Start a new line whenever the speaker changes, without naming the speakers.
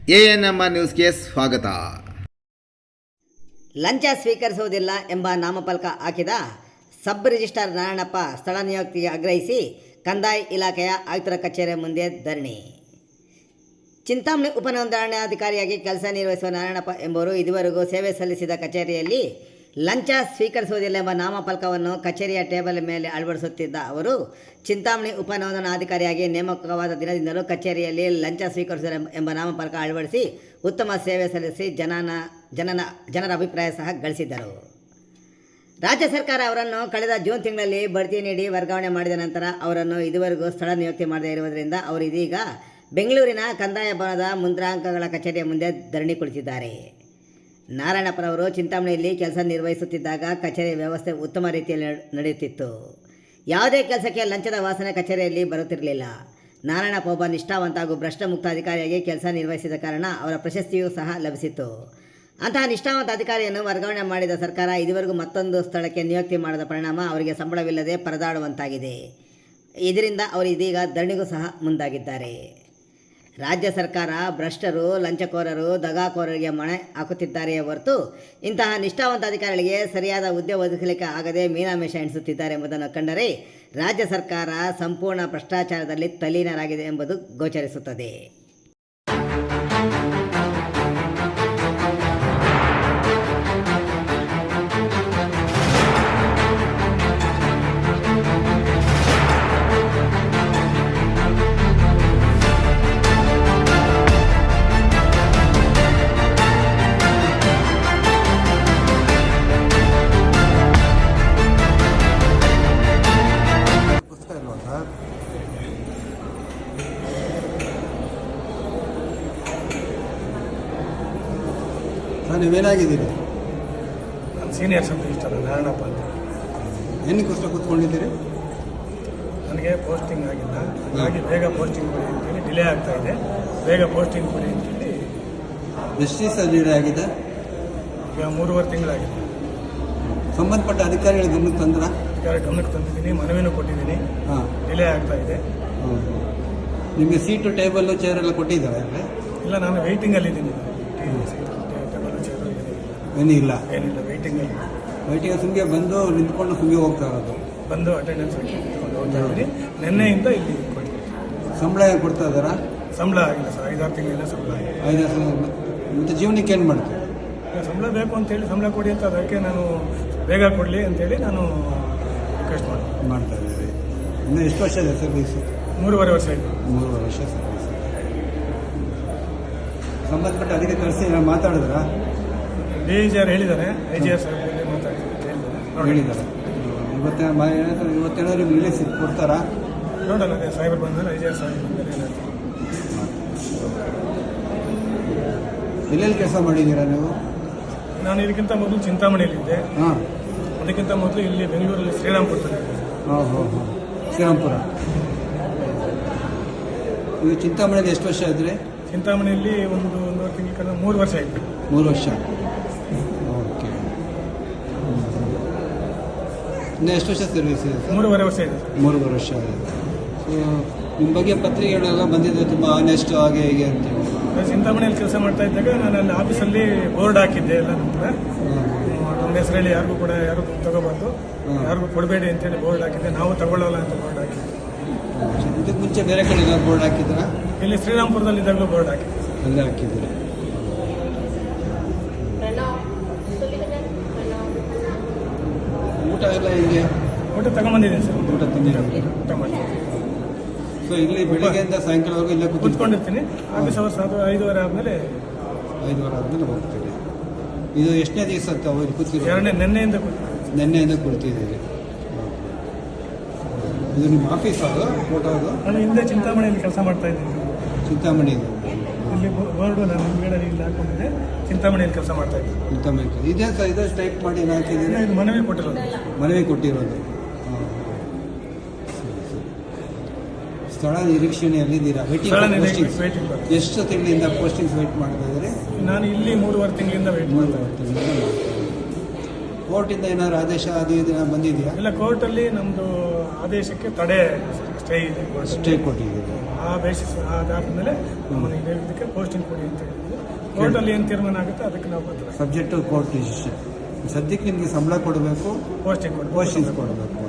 ANMR ನ್ಯೂಸ್ಗೆ ಸ್ವಾಗತ.
ಲಂಚ ಸ್ವೀಕರಿಸುವುದಿಲ್ಲ ಎಂಬ ನಾಮಫಲಕ ಹಾಕಿದ ಸಬ್ ರಿಜಿಸ್ಟ್ರಾರ್ ನಾರಾಯಣಪ್ಪ ಸ್ಥಳ ನಿಯುಕ್ತಿಗೆ ಆಗ್ರಹಿಸಿ ಕಂದಾಯ ಇಲಾಖೆಯ ಆಯುಕ್ತರ ಕಚೇರಿ ಮುಂದೆ ಧರಣಿ. ಚಿಂತಾಮಣಿ ಉಪನೋಂದಣಾಧಿಕಾರಿಯಾಗಿ ಕೆಲಸ ನಿರ್ವಹಿಸುವ ನಾರಾಯಣಪ್ಪ ಎಂಬುವರು ಇದುವರೆಗೂ ಸೇವೆ ಸಲ್ಲಿಸಿದ ಕಚೇರಿಯಲ್ಲಿ ಲಂಚ ಸ್ವೀಕರಿಸುವುದಿಲ್ಲ ಎಂಬ ನಾಮಫಲಕವನ್ನು ಕಚೇರಿಯ ಟೇಬಲ್ ಮೇಲೆ ಅಳವಡಿಸುತ್ತಿದ್ದ ಅವರು ಚಿಂತಾಮಣಿ ಉಪನೋಂದಣಾಧಿಕಾರಿಯಾಗಿ ನೇಮಕವಾದ ದಿನದಿಂದಲೂ ಕಚೇರಿಯಲ್ಲಿ ಲಂಚ ಸ್ವೀಕರಿಸುವ ಎಂಬ ನಾಮಫಲಕ ಅಳವಡಿಸಿ ಉತ್ತಮ ಸೇವೆ ಸಲ್ಲಿಸಿ ಜನರ ಅಭಿಪ್ರಾಯ ಸಹ ಗಳಿಸಿದ್ದರು. ರಾಜ್ಯ ಸರ್ಕಾರ ಅವರನ್ನು ಕಳೆದ ಜೂನ್ ತಿಂಗಳಲ್ಲಿ ಬಡ್ತಿ ನೀಡಿ ವರ್ಗಾವಣೆ ಮಾಡಿದ ನಂತರ ಅವರನ್ನು ಇದುವರೆಗೂ ಸ್ಥಳ ನಿಯುಕ್ತಿ ಮಾಡದೇ ಇರುವುದರಿಂದ ಅವರು ಇದೀಗ ಬೆಂಗಳೂರಿನ ಕಂದಾಯ ಭವನದ ಮುಂದ್ರಾಂಕಗಳ ಕಚೇರಿಯ ಮುಂದೆ ಧರಣಿ ಕುಳಿತಿದ್ದಾರೆ. ನಾರಾಯಣಪ್ಪನವರು ಚಿಂತಾಮಣಿಯಲ್ಲಿ ಕೆಲಸ ನಿರ್ವಹಿಸುತ್ತಿದ್ದಾಗ ಕಚೇರಿ ವ್ಯವಸ್ಥೆ ಉತ್ತಮ ರೀತಿಯಲ್ಲಿ ನಡೆಯುತ್ತಿತ್ತು. ಯಾವುದೇ ಕೆಲಸಕ್ಕೆ ಲಂಚದ ವಾಸನೆ ಕಚೇರಿಯಲ್ಲಿ ಬರುತ್ತಿರಲಿಲ್ಲ. ನಾರಾಯಣಪ್ಪ ಒಬ್ಬ ನಿಷ್ಠಾವಂತ ಹಾಗೂ ಭ್ರಷ್ಟ ಮುಕ್ತ ಅಧಿಕಾರಿಯಾಗಿ ಕೆಲಸ ನಿರ್ವಹಿಸಿದ ಕಾರಣ ಅವರ ಪ್ರಶಸ್ತಿಯೂ ಸಹ ಲಭಿಸಿತ್ತು. ಅಂತಹ ನಿಷ್ಠಾವಂತ ಅಧಿಕಾರಿಯನ್ನು ವರ್ಗಾವಣೆ ಮಾಡಿದ ಸರ್ಕಾರ ಇದುವರೆಗೂ ಮತ್ತೊಂದು ಸ್ಥಳಕ್ಕೆ ನಿಯುಕ್ತಿ ಮಾಡದ ಪರಿಣಾಮ ಅವರಿಗೆ ಸಂಬಳವಿಲ್ಲದೆ ಪರದಾಡುವಂತಾಗಿದೆ. ಇದರಿಂದ ಅವರು ಇದೀಗ ಧರಣಿಗೂ ಸಹ ಮುಂದಾಗಿದ್ದಾರೆ. ರಾಜ್ಯ ಸರ್ಕಾರ ಭ್ರಷ್ಟರು, ಲಂಚಕೋರರು, ದಗಾಕೋರರಿಗೆ ಮಣೆ ಹಾಕುತ್ತಿದ್ದಾರೆಯೇ ಹೊರತು ಇಂತಹ ನಿಷ್ಠಾವಂತ ಅಧಿಕಾರಿಗಳಿಗೆ ಸರಿಯಾದ ಹುದ್ದೆ ಒದಗಿಸಲಿಕ್ಕೆ ಆಗದೆ ಮೀನಾಮೇಷ ಎಣಿಸುತ್ತಿದ್ದಾರೆ ಎಂಬುದನ್ನು ಕಂಡರೆ ರಾಜ್ಯ ಸರ್ಕಾರ ಸಂಪೂರ್ಣ ಭ್ರಷ್ಟಾಚಾರದಲ್ಲಿ ತಲ್ಲೀನರಾಗಿದೆ ಎಂಬುದು ಗೋಚರಿಸುತ್ತದೆ.
ನೀವೇನಾಗಿದ್ದೀರಿ?
ನಾನು ಸೀನಿಯರ್ ಸಬ್ ರಿಜಿಸ್ಟ್ರಾರ್ ನಾರಾಯಣಪ್ಪ ಅಂತ.
ಏನಕ್ಕೋಸ್ಕರ ಕೂತ್ಕೊಂಡಿದ್ದೀರಿ?
ನನಗೆ ಪೋಸ್ಟಿಂಗ್ ಆಗಿಲ್ಲ, ಹಾಗಾಗಿ ಬೇಗ ಪೋಸ್ಟಿಂಗ್ ಕೊಡಿ ಅಂತೇಳಿ ಡಿಲೇ ಆಗ್ತಾ ಇದೆ. ಬೇಗ ಪೋಸ್ಟಿಂಗ್ ಕೊಡಿ ಅಂತೇಳಿ.
ಎಷ್ಟು ದಿವಸ ಡಿಲೇ ಆಗಿದೆ?
ಈಗ 3.5 ತಿಂಗಳಾಗಿದೆ.
ಸಂಬಂಧಪಟ್ಟ ಅಧಿಕಾರಿಗಳ ಗಮನಕ್ಕೆ ತಂದ್ರ?
ಗಮನಕ್ಕೆ ತಂದಿದ್ದೀನಿ, ಮನವಿನೂ ಕೊಟ್ಟಿದ್ದೀನಿ. ಡಿಲೇ ಆಗ್ತಾ ಇದೆ.
ನಿಮಗೆ ಸೀಟು, ಟೇಬಲ್ಲು, ಚೇರ್ ಎಲ್ಲ ಕೊಟ್ಟಿದ್ದಾರೆ?
ಇಲ್ಲ, ನಾನು ವೆಯ್ಟಿಂಗಲ್ಲಿದ್ದೀನಿ.
ಏನಿಲ್ಲ,
ವೆಯ್ಟಿಂಗಲ್ಲಿ
ಸುಮ್ಗೆ ಬಂದು ನಿಂತ್ಕೊಂಡು ಸುಮ್ಗೆ ಹೋಗ್ತಾ ಇರೋದು.
ಬಂದು ಅಟೆಂಡೆನ್ಸ್ ಹಾಕಿಕೊಂಡು ಹೋಗ್ತಾ ಇದ್ದೀನಿ. ನಿನ್ನೆಯಿಂದ ಇಲ್ಲಿ ಕೊಡ್ತೀನಿ.
ಸಂಬಳ ಏನು ಕೊಡ್ತಾ ಇದ್ದಾರಾ?
ಸಂಬಳ ಆಗಿಲ್ಲ ಸರ್, 5-6 ತಿಂಗಳಿಂದ ಸಂಬಳ ಆಗಿಲ್ಲ.
5-6 ತಿಂಗಳು. ಮತ್ತು ಜೀವನಕ್ಕೆ ಏನು ಮಾಡ್ತೀವಿ?
ಸಂಬಳ ಬೇಕು ಅಂತೇಳಿ ಸಂಬಳ ಕೊಡಿ ಅಂತ, ಅದಕ್ಕೆ ನಾನು ಬೇಗ ಕೊಡಲಿ ಅಂತೇಳಿ ನಾನು ರಿಕ್ವೆಸ್ಟ್
ಮಾಡ್ತಾ ಇದ್ದೀವಿ. ಇನ್ನು ಎಷ್ಟು ವರ್ಷ ಇದೆ ಸರ್ವೀಸು?
3.5 ವರ್ಷ ಆಯಿತು.
3.5 ವರ್ಷ ಸರ್ವೀಸ್. ಸಂಬಂಧಪಟ್ಟ ಅದಕ್ಕೆ ಕಳಿಸಿ ಮಾತಾಡಿದ್ರಾ?
ಡಿಜಿಆರ್ ಹೇಳಿದ್ದಾರೆ, IGR ಸರ್
ಹೇಳಿದ್ದಾರೆ. ಇವತ್ತೇನಾದ್ರು ನಿಮಗೆ ಸಿಟ್ಟು ಕೊಡ್ತಾರಾ?
ನೋಡೋಣ, ಸಾಹೇಬರು ಬಂದರೆ IGR ಸಾಹೇಬ್ ಬಂದರೆ ಏನಾಗ್ತದೆ.
ಎಲ್ಲೆಲ್ಲಿ ಕೆಲಸ ಮಾಡಿದ್ದೀರಾ ನೀವು?
ನಾನು ಇದಕ್ಕಿಂತ ಮೊದಲು ಚಿಂತಾಮಣಿಯಲ್ಲಿದ್ದೆ. ಅದಕ್ಕಿಂತ ಮೊದಲು ಇಲ್ಲಿ ಬೆಂಗಳೂರಲ್ಲಿ ಶ್ರೀರಾಮ್ಪುರದಲ್ಲಿ.
ಶ್ರೀರಾಮ್ಪುರ. ನೀವು ಚಿಂತಾಮಣಿಯಲ್ಲಿ ಎಷ್ಟು ವರ್ಷ ಇದ್ರಿ?
ಚಿಂತಾಮಣಿಯಲ್ಲಿ ಒಂದೂವರೆ ತಿಂಗಳ 3 ವರ್ಷ ಆಯಿತು.
3 ವರ್ಷ. ಓಕೆ. ಇನ್ನು ಎಷ್ಟು ವರ್ಷ ಸರ್ವಿಸ್ ಇದೆ?
3.5 ವರ್ಷ ಇದೆ.
3.5 ವರ್ಷ ಇದೆ. ಸೊ ನಿಮ್ಮ ಬಗ್ಗೆ ಪತ್ರಿಕೆಗಳೆಲ್ಲ ಬಂದಿದೆ, ತುಂಬ ಆನೆಸ್ಟ್ ಹಾಗೆ ಹೀಗೆ ಅಂತೇಳಿ.
ಚಿಂತಾಮಣಿಯಲ್ಲಿ ಕೆಲಸ ಮಾಡ್ತಾ ಇದ್ದಾಗ ನಾನು ಅಲ್ಲಿ ಆಫೀಸಲ್ಲಿ ಬೋರ್ಡ್ ಹಾಕಿದ್ದೆ ಎಲ್ಲ ನಂತರ. ನಮ್ಮ ಹೆಸರಲ್ಲಿ ಯಾರಿಗೂ ಕೂಡ ಯಾರು ತಗೋಬಾರ್ದು, ಯಾರಿಗೂ ಕೊಡಬೇಡಿ ಅಂತೇಳಿ ಬೋರ್ಡ್ ಹಾಕಿದ್ದೆ. ನಾವು ತಗೊಳ್ಳಲ್ಲ ಅಂತ ಬೋರ್ಡ್ ಹಾಕಿದ್ದೆ.
ಇದಕ್ಕೆ ಮುಂಚೆ ಬೇರೆ ಕಡೆ ಎಲ್ಲ ಬೋರ್ಡ್ ಹಾಕಿದ್ರಾ?
ಇಲ್ಲಿ ಶ್ರೀರಾಮ್ಪುರದಲ್ಲಿ ಇದ್ದಾಗಲೂ ಬೋರ್ಡ್ ಹಾಕಿದ್ದೆ.
ಅಲ್ಲೇ ಹಾಕಿದ್ದೀರಿ. ಊಟ ಎಲ್ಲ ಹಿಂಗೆ?
ಊಟ ತಗೊಂಬಂದಿದ್ದೀನಿ ಸರ್.
ಊಟ ತಿಂದಿದ್ದೀರಿ?
ಊಟ ಮಾಡ್ತೀನಿ.
ಸೊ ಇಲ್ಲಿ ಬೆಳಿಗ್ಗೆಯಿಂದ ಸಾಯಂಕಾಲವರೆಗೂ ಇಲ್ಲೇ
ಕೂತ್ಕೊಂಡಿರ್ತೀನಿ. ಆಫೀಸ್ ಅವರ್ಸ್ 5:30 ಆದಮೇಲೆ
5:30 ಆದಮೇಲೆ ಹೋಗ್ತೀವಿ. ಇದು ಎಷ್ಟನೇ ದಿವಸ ಅಂತ ಅವ್ರು ಕೂತಿರೋ? ನೆನ್ನೆಯಿಂದ ಕೂರ್ತಿದ್ದೀರಿ. ಇದು ನಿಮ್ಮ ಆಫೀಸ್? ಅದು ಫೋಟೋ? ಅದು
ನಾನು ಹಿಂದೆ ಚಿಂತಾಮಣಿಯಲ್ಲಿ ಕೆಲಸ ಮಾಡ್ತಾ ಇದ್ದೀನಿ.
ಚಿಂತಾಮಣಿಯಲ್ಲಿ
ಇಲ್ಲಿ ಬೋರ್ಡು ನಾನು ಹಿಂದ್ಗಡೆ ಇಲ್ಲಿ ಹಾಕೊಂಡಿದ್ದೆ. ಚಿಂತಾಮಣಿಯಲ್ಲಿ ಕೆಲಸ ಮಾಡ್ತಾ ಇದ್ದೀನಿ.
ಚಿಂತಾಮಣಿ ಇದೇ ಸರ್, ಇದೇ ಟೈಪ್ ಮಾಡಿ ಹಾಕಿದ್ದೀನಿ.
ಇದು ಮನವಿ ಕೊಟ್ಟಿರೋದು.
ಮನವಿ ಕೊಟ್ಟಿರೋದು. ಸ್ಥಳ ನಿರೀಕ್ಷಣೆಯಲ್ಲಿದ್ದೀರಾ? ಎಷ್ಟು ತಿಂಗಳಿಂದ ಪೋಸ್ಟಿಂಗ್ಸ್ ವೆಯ್ಟ್ ಮಾಡ್ತಾ ಇದ್ದೀರಿ?
ನಾನು ಇಲ್ಲಿ 3.5 ತಿಂಗಳಿಂದ ವೆಯ್ಟ್ ಮಾಡ್ತಾ ಇದ್ದೀನಿ.
ಕೋರ್ಟಿಂದ ಏನಾದ್ರು ಆದೇಶ ಅದು ಇದು ಬಂದಿದೆಯಾ?
ಇಲ್ಲ, ಕೋರ್ಟಲ್ಲಿ ನಮ್ಮದು ಆದೇಶಕ್ಕೆ ತಡೆ ಸ್ಟೇ ಇದೆ.
ಸ್ಟೇ ಕೊಟ್ಟಿದ್ದೀರಿ.
ಆ ಬೇಸಿಸ್ ಆಧಾರದ ಮೇಲೆ ನಮ್ಮನ್ನು ಇದಕ್ಕೆ ಪೋಸ್ಟಿಂಗ್ ಕೊಡಿ ಅಂತ ಹೇಳಿದ್ವಿ. ಕೋರ್ಟಲ್ಲಿ ಏನು ತೀರ್ಮಾನ ಆಗುತ್ತೆ ಅದಕ್ಕೆ ನಾವು ಬದ್ಧ.
Subject court decision. ಸದ್ಯಕ್ಕೆ ನಿಮಗೆ ಸಂಬಳ ಕೊಡಬೇಕು,
ಪೋಸ್ಟಿಂಗ್
ಪೋಸ್ಟಿಂಗ್ ಕೊಡಬೇಕು.